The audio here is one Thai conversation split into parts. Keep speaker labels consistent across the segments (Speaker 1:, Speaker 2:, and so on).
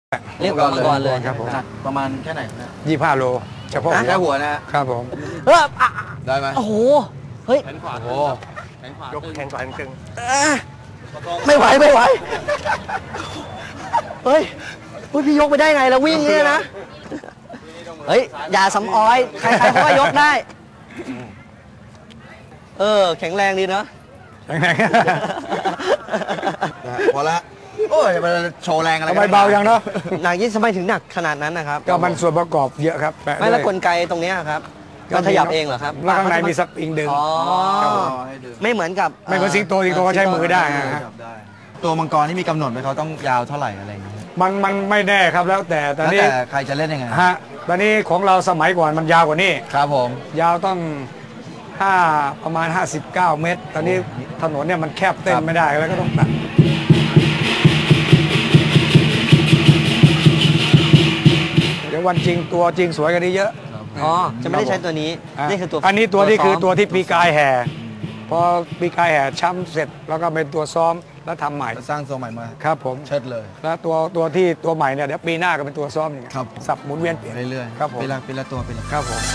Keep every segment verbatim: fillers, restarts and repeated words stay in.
Speaker 1: เรียกว่ามังกรเลย
Speaker 2: ครับผม
Speaker 3: ประมาณแค่ไหนนะ
Speaker 2: ยี่ห้าโลเฉพาะ
Speaker 3: แค่หัวนะครับ
Speaker 2: ผม
Speaker 1: เออ
Speaker 3: ได้ไหม
Speaker 1: โอ้โหเฮ้ย
Speaker 3: แขนขวาโอ้
Speaker 2: ยกแขนขวาตึง
Speaker 1: ไม่ไหวไม่ไหวเฮ้ยพี่ยกไปได้ไงแล้ววิ่งเนี่ยนะเฮ้ยอย่าสำออยใครๆเขาก็ยกได้เออแข็งแรงดีเนาะ
Speaker 2: แข็งแรง
Speaker 3: พอละโอ้ยมันโชว์แรงอะไร
Speaker 2: ทำไมเบาอย่างเนาะ
Speaker 1: หนักยิ่งทำไมถึงหนักขนาดนั้นนะครับ
Speaker 2: ก็มันส่วนประกอบเยอะครับ
Speaker 1: ไม่แล้วกลไกตรงนี้ครับมันขยับเองเหรอครับ
Speaker 2: แล้วข้างในมีสปริงดึง
Speaker 1: ไม่เหมือนกับ
Speaker 2: ไม่เหมือนสิงโตสิงโตเขาใช้มือได้
Speaker 3: ตัวมังกรที่มีกำหนดไหมเขาต้องยาวเท่าไหร่อะไรอย่างเงี้ย
Speaker 2: มันมันไม่แน่ครับแล้วแต่ตอนนี้
Speaker 3: ใครจะเล่นยังไง
Speaker 2: ฮะตอนนี้ของเราสมัยก่อนมันยาวกว่านี้
Speaker 3: ครับผม
Speaker 2: ยาวต้องห้าประมาณห้าสิบเก้าเมตรตอนนี้ถนนเนี่ยมันแคบเต้นไม่ได้แล้วก็ต้องตัดเดี๋ยววันจริงตัวจริงสวยกันนี้เยอะ
Speaker 1: อ๋อจะไม่ได้ใช้ตัวนี้นี่คือตัว
Speaker 2: อันนี้ตัวนี้คือตัวที่ปีกายแห่พอปีกายแห่ช้ำเสร็จแล้วก็เป็นตัวซ้อมแล้วทำใหม่
Speaker 3: สร้างทรงใหม่มา
Speaker 2: ครับผม
Speaker 3: เชิดเลย
Speaker 2: แล้วตัวตัวที่ตัวใหม่เนี่ยเดี๋ยวปีหน้าก็เป็นตัวซ้อมอย่างเงี้ย
Speaker 3: ครับ
Speaker 2: สับหมุนเวียนเปลี่ยน
Speaker 3: เรื่อย
Speaker 2: ๆครับผม
Speaker 3: ปีละปีละตัวปีละ
Speaker 2: ครับผม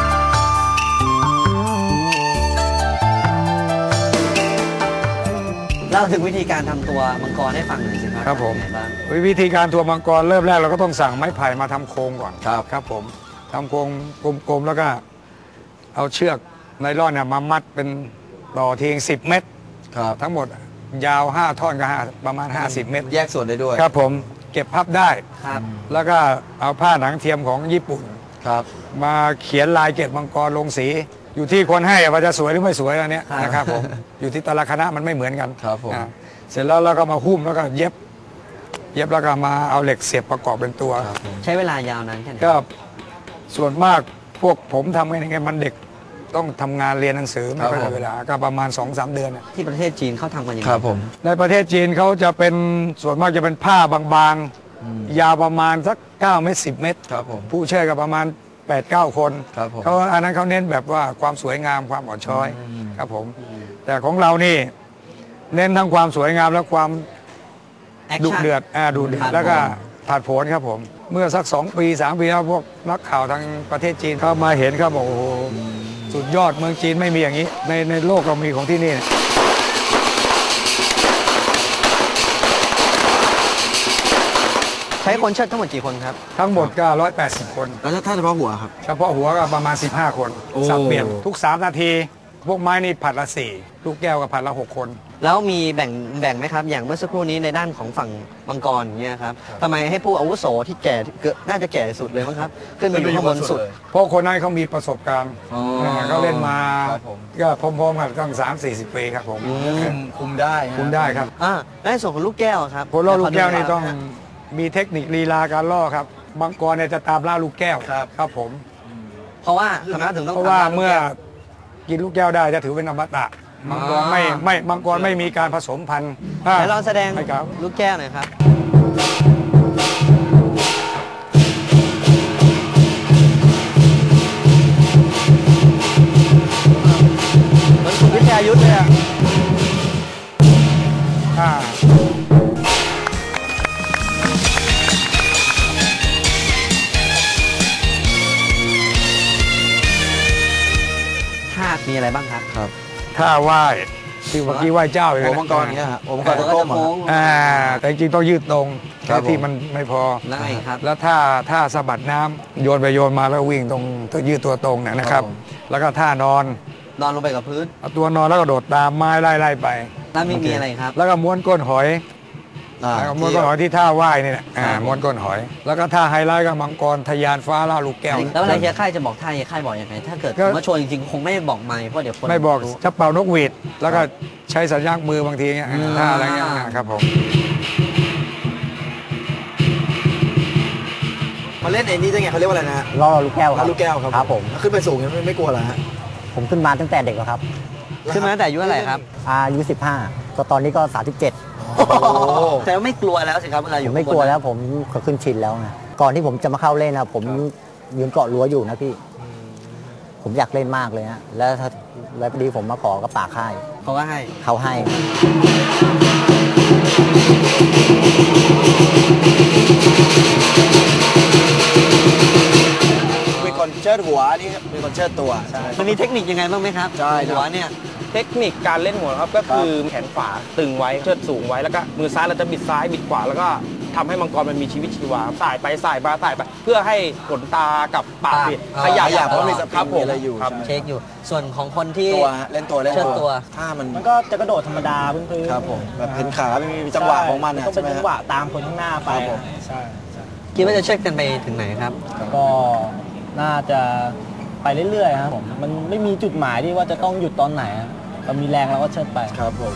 Speaker 1: เล่าถึงวิธีการทำตัวมังกรให้ฟังหน่อยสิครับ
Speaker 2: ครับผมวิธีการตัวมังกรเริ่มแรกเราก็ต้องสั่งไม้ไผ่มาทำโครงก่อน
Speaker 3: ครับ
Speaker 2: ครับผมทำโครงกลมๆแล้วก็เอาเชือกไนล่อนเนี่ยมามัดเป็นต่อทีงสิบเมตร
Speaker 3: ครับ
Speaker 2: ทั้งหมดยาวห้าท่อนก็ประมาณห้าสิบเมตร
Speaker 3: แยกส่วนได้ด้วย
Speaker 2: ครับผมเก็บพับได้
Speaker 1: ครับ
Speaker 2: แล้วก็เอาผ้าหนังเทียมของญี่ปุ่น
Speaker 3: ครับ
Speaker 2: มาเขียนลายเกล็ดมังกรลงสีอยู่ที่คนให้ว่าจะสวยหรือไม่สวยอันนี้นะครับผมอยู่ที่แต่ละคณะมันไม่เหมือนกัน
Speaker 3: ครับผม
Speaker 2: เสร็จแล้วเราก็มาหุ้มแล้วก็เย็บเย็บแล้วก็มาเอาเหล็กเสียบประกอบเป็นตัว
Speaker 1: ใช้เวลายาวนานแค่ไหน
Speaker 2: ก็ส่วนมากพวกผมทำกันยังไงมันเด็กต้องทำงานเรียนหนังสือไม่ค่อยมีเวลาก็ประมาณ สองสาม เดือน
Speaker 1: ที่ประเทศจีนเขาทำกันยังไง
Speaker 3: ครับผม
Speaker 2: ในประเทศจีนเขาจะเป็นส่วนมากจะเป็นผ้าบางๆยาวประมาณสักเก้าเมตรสิบเมตร
Speaker 3: ครับผม
Speaker 2: ผู้เช่ก็ประมาณแปดเก้าคน
Speaker 3: ครับผม
Speaker 2: เขาอันนั้นเขาเน้นแบบว่าความสวยงามความอ่อนช้อยครับผมแต่ของเรานี่เน้นทั้งความสวยงามและความดุเดือดอ่าดุเดือดแล้วก็ผาดโผนครับผมเมื่อสักสองปีสามปีแล้วพวกนักข่าวทางประเทศจีนเขามาเห็นเขาบอกโอ้โหสุดยอดเมืองจีนไม่มีอย่างนี้ในในโลกเรามีของที่นี่
Speaker 1: ใช้คนเชิดทั้งหมดกี่คนครับ
Speaker 2: ทั้งหมดก็ร้อยแปดสิบคน
Speaker 3: แล้วถ้าเฉพาะหัวครับ
Speaker 2: เฉพาะหัวก็ประมาณสิบห้าคนสับเปลี่ยนทุกสามนาทีพวกไม้นี่ผัดละสี่ลูกแก้วก็ผัดละหกคน
Speaker 1: แล้วมีแบ่งแบ่งไหมครับอย่างเมื่อสักครู่นี้ในด้านของฝั่งมังกรเนี่ยครับทำไมให้ผู้อาวุโสที่แก่น่าจะแก่สุดเลยมั้งครับขึ้นมาอยู่ข้างบนสุด
Speaker 2: เพราะคนนั้นเขามีประสบการณ์เขาเล่นมาก็พร้อมๆกันตั้งสามสี่สิบปีครับผม
Speaker 3: คุมได้
Speaker 2: คุมได้ครับ
Speaker 1: อ่าในส่วนของลูกแก้วครับ
Speaker 2: คนล่อลูกแก้วนี่ต้องมีเทคนิคลีลาการล่อครับมังกรเนี่ยจะตามล่าลูกแก้วครับผม
Speaker 1: เพราะว่าทำไมถึงต้อง
Speaker 2: เพราะว่าเมื่อกินลูกแก้วได้จะถือเป็นอมตะมังกรไม่ไม่มังกรไม่มีการผสมพันธุ์
Speaker 1: ไหนลองแสดงลูกแก้วหน่อยครับเหมือนคุณวิทยายุทธเลยอ่ะมีอะไรบ้างครับ
Speaker 2: ครับถ้าไหว้ที่เมื่อกี้ไหว้เจ้า
Speaker 3: อย่างนี้มังกรเนี้ยฮะมังกรจะโค้ง
Speaker 2: อ่าแต่จริงต้องยืดตรงแค่ที่มันไม่พอ
Speaker 1: ได้ครับ
Speaker 2: แล้วถ้าถ้าสะบัดน้ำโยนไปโยนมาแล้ววิ่งตรงต้องยืดตัวตรงเนี่ยนะครับแล้วก็ท่านอน
Speaker 1: นอนลงไปกับพื้น
Speaker 2: เอาตัวนอนแล้วก็โดดตามไม้ไล่ไล่ไป
Speaker 1: แล้วมีมีอะไรครับ
Speaker 2: แล้วก็ม้วนก้นหอยม้วนก้นหอยที่ท่าไหว้นี่แหละม้วนก้นหอยแล้วก็ท่าไฮไลท์ก็มังกรทะยานฟ้าล่าลูกแก้ว
Speaker 1: แล้วอะไรเฮียค่ายจะบอกท่าเฮียค่ายบอกยังไงถ้าเกิดมาโชว์จริงๆคงไม่บอกไม่เพราะเดี๋ยวคน
Speaker 2: ไม่บอกจะเป่านกหวีดแล้วก็ใช้สัญญาณมือบางทีเงี้ยท่าอะไรเงี้ยครับผม
Speaker 3: มาเล่นไอ้นี่ได้ไงเขาเรียกว่าอะไรนะ
Speaker 4: ล่อลูกแก้วครับ
Speaker 3: ลูกแก้วครับ
Speaker 4: ครับผม
Speaker 3: ขึ้นไปสูงยังไม่กลัวเหรอฮะ
Speaker 4: ผมขึ้นมาตั้งแต่เด็กแล้วครับ
Speaker 1: ขึ้นมาตั้งแต่อายุเท่าไหร่ครับ
Speaker 4: อายุสิบห้าก็ตอนนี้ก็สามสิบเจ็ด
Speaker 1: แต่ไม่กลัวแล้วสิครับเวลาอยู่
Speaker 4: ไม่กลัวแล้วผมก็ขึ้นชินแล้วไงก่อนที่ผมจะมาเข้าเล่นนะผมยืนเกาะรั้วอยู่นะพี่ผมอยากเล่นมากเลยนะแล้วถ้าแล้วพอดีผมมาขอกับป่าค่าย
Speaker 1: เขาก็ให้
Speaker 4: เขาให้
Speaker 1: เ
Speaker 5: เชิดหัวนี่เป็นคนเชิดตัวใช่
Speaker 1: มันมีเทคนิคยังไงบ้างไหมครับ
Speaker 5: ใช่ครับ
Speaker 1: หัวเนี่ย
Speaker 6: เทคนิคการเล่นหัวครับก็คือแขนขวาตึงไว้เชิดสูงไว้แล้วก็มือซ้ายเราจะบิดซ้ายบิดขวาแล้วก็ทำให้มังกรมันมีชีวิตชีวาสายไปสายมาสายไปเพื่อให้ขนตากับปาก
Speaker 1: ปาก
Speaker 6: เนี่ย
Speaker 1: อ่า
Speaker 6: ขยับ
Speaker 5: ขยับเพราะมีสปริง
Speaker 6: ครับผม
Speaker 5: มีอะไรอยู่
Speaker 6: ครับ
Speaker 5: ใช่
Speaker 1: เช็คอยู่ ส่วนของคนที่
Speaker 5: ตัวฮะเล่นตัวเล่น
Speaker 1: เชิดตัว
Speaker 5: ถ้ามัน
Speaker 7: มันก็จะกระโดดธรรมดาพื้นๆ
Speaker 5: ครับผมแบบเห็นขาไม่มีจังหวะของมันนะ
Speaker 7: ต้อง
Speaker 5: ใช่
Speaker 7: เป็น
Speaker 5: ไหม
Speaker 7: จั
Speaker 5: ฮะ
Speaker 7: งหวะตามคนข้างหน้าไป
Speaker 5: ครับผม
Speaker 7: ใช่ใช่
Speaker 1: คิดว่าจะเช็คกันไปถึงไหนครับ
Speaker 7: ก็น่าจะไปเรื่อยๆครับผมมันไม่มีจุดหมายที่ว่าจะต้องหยุดตอนไหนอะเรามีแรงเราก็เชิดไป
Speaker 5: ครับผม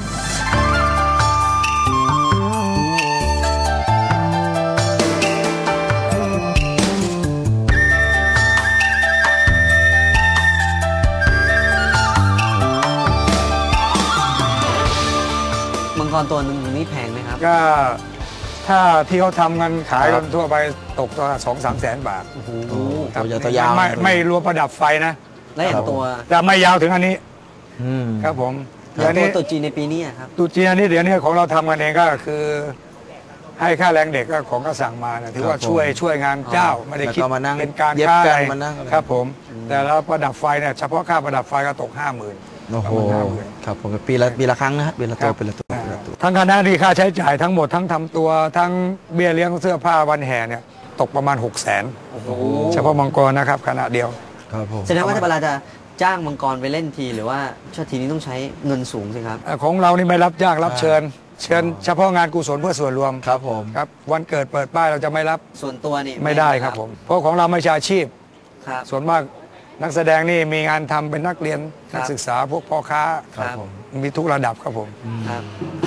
Speaker 1: มังกรตัวหนึงนี่แพงไหมครับ
Speaker 2: ก็ถ้าที่เขาทำกันขายกันทั่วไปตกตัวสองสามแสนบาท
Speaker 1: โอ้โห
Speaker 2: ครับ
Speaker 5: ตัวยาวตัวยาว
Speaker 2: ไม่ไม่รวมประดับไฟนะ
Speaker 1: แล้วอย่างตัว
Speaker 2: แต่ไม่ยาวถึงอันนี้
Speaker 5: อืม
Speaker 2: ครับผม
Speaker 1: แล้ว
Speaker 2: เดี๋ยว
Speaker 1: ตัว
Speaker 2: นี้
Speaker 1: ตัวจีนในปีนี้อะครับ
Speaker 2: ตุจีนอันนี้เดี๋ยวนี้ของเราทำกันเองก็คือ ให้ค่าแรงเด็กก็ของก็สั่งมานะถือว่า
Speaker 5: ครับผม
Speaker 2: ช่วยช่วยงานเจ้าไม่ได้คิด
Speaker 5: แล้วก็มานั่ง
Speaker 2: เป็นการ
Speaker 5: เย็บ
Speaker 2: ค่า
Speaker 5: กัน
Speaker 2: อะไร
Speaker 5: มานั่ง
Speaker 2: ครับผม แต่แล้วประดับไฟเนี่ยเฉพาะค่าประดับไฟก็ตกห้าหมื่น
Speaker 5: โอ้โห
Speaker 2: ประมาณห้าหมื่น
Speaker 5: ครับผมปีละปีละครั้งนะฮะปีละตัว
Speaker 2: ครับ
Speaker 5: ปีละตัวปีละตัว
Speaker 2: ทั้งคณะนี่ค่าใช้จ่ายทั้งหมดทั้งทำตัวทั้งเบี้ยเลี้ยงเสื้อผ้าวันแห่เนี่ยตกประมาณหกแสนเฉพาะมังกรนะครับขณะเดียว
Speaker 5: ครับผม
Speaker 1: แสดงว่าถ้าเวลาจะจ้างมังกรไปเล่นทีหรือว่าชาตินี้ต้องใช้เงินสูงสิครับ
Speaker 2: เอ่อของเรานี่ไม่รับจ้างรับเชิญ เชิญเฉพาะงานกุศลเพื่อส่วนรวม
Speaker 5: ครับผม
Speaker 2: ครับวันเกิดเปิดป้ายเราจะไม่รับ
Speaker 1: ส่วนตัวนี่
Speaker 2: ไม่ได้ครับผม เพราะของเราไม่ใช่อาชีพ
Speaker 1: ครับ
Speaker 2: ส่วนมากนักแสดงนี่มีงานทำเป็นนักเรียน
Speaker 1: ครับ
Speaker 2: นักศึกษาพวกพ่อค้า
Speaker 1: ครับ
Speaker 2: มีทุกระดับครับผม
Speaker 1: ครับ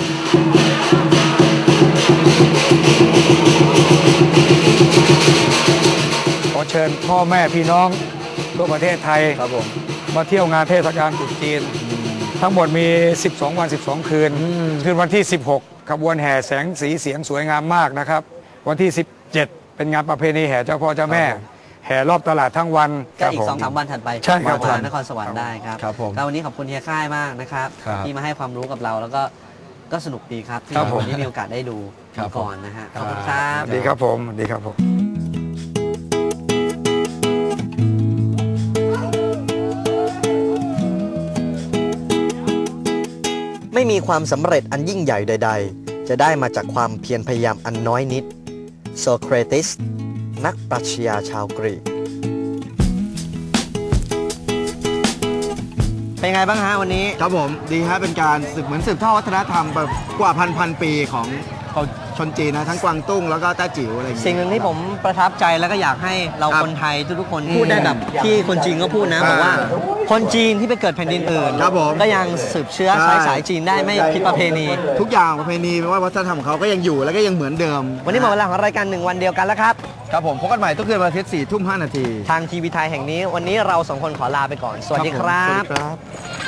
Speaker 2: ขอเชิญพ่อแม่พี่น้องทั่วประเทศไทย
Speaker 5: ครับผม
Speaker 2: มาเที่ยวงานเทศกาลตรุษจีน ทั้งหมดมี สิบสอง วัน สิบสอง คืน คืนวันที่ สิบหก ขบวนแห่แสงสีเสียงสวยงามมากนะครับ วันที่ สิบเจ็ด เป็นงานประเพณีแห่เจ้าพ่อเจ้าแม่ แห่รอบตลาดทั้งวัน
Speaker 1: ก็อี
Speaker 2: ผ
Speaker 1: กสองสามวันถัดไป
Speaker 2: ใช่ครับ
Speaker 1: มานครสวรรค์ได้ครับ
Speaker 5: ครับผม
Speaker 1: ก็วันนี้ขอบคุณเฮียค่ายมากนะครับ
Speaker 5: ครับ
Speaker 1: ที่มาให้ความรู้กับเราแล้วก็ก็สนุกดีครับที่
Speaker 2: ครับผม
Speaker 1: วันนี้มีโอกาสได้ดู
Speaker 5: ครับ
Speaker 1: ก่อนนะฮะขอบคุณครับ
Speaker 2: สวัสดีครับผมสวัสดีครับผม
Speaker 1: ไม่มีความสำเร็จอันยิ่งใหญ่ใด ๆ จะได้มาจากความเพียรพยายามอันน้อยนิดโซเครติสนักปรัชญาชาวกรีกเป็นไงบ้างฮะวันนี้
Speaker 3: ครับผมดีฮะเป็นการสืบเหมือนสืบทอดวัฒนธรรมแบบกว่าพันพันปีของของชนจีนนะทั้งกวางตุ้งแล้วก็แต้จิ๋วอะไรอย่าง
Speaker 1: สิ่ง
Speaker 3: เงี้ย
Speaker 1: หนึ่งที่ผมประทับใจแล้วก็อยากให้เรา
Speaker 3: ครับ
Speaker 1: คนไทยทุกๆคนพูดได้แบบที่คนจีนก็พูดนะ
Speaker 3: อ่า
Speaker 1: บอกว่าคนจีนที่ไปเกิดแผ่นดินอื่น
Speaker 3: ครับผม
Speaker 1: ก็ยังสืบเชื้อ
Speaker 3: ใช่
Speaker 1: สายสายจีนได้ไม่ผิดประเพณี
Speaker 3: ทุกอย่างประเพณีไม่ว่าวัฒนธรรมของเขาก็ยังอยู่แล้วก็ยังเหมือนเดิม
Speaker 1: วันนี้หมดเวลาของรายการหนึ่งวันเดียวกันแล้วครับ
Speaker 3: ครับผมพบกันใหม่ทุกคืนวันอาทิตย์สี่ทุ่มห้านาที
Speaker 1: ทางทีวีไทยแห่งนี้ วันนี้เราสองคนขอลาไปก่อน สวัสดีครั
Speaker 3: ผมสวัส
Speaker 1: บ
Speaker 3: ดีครับ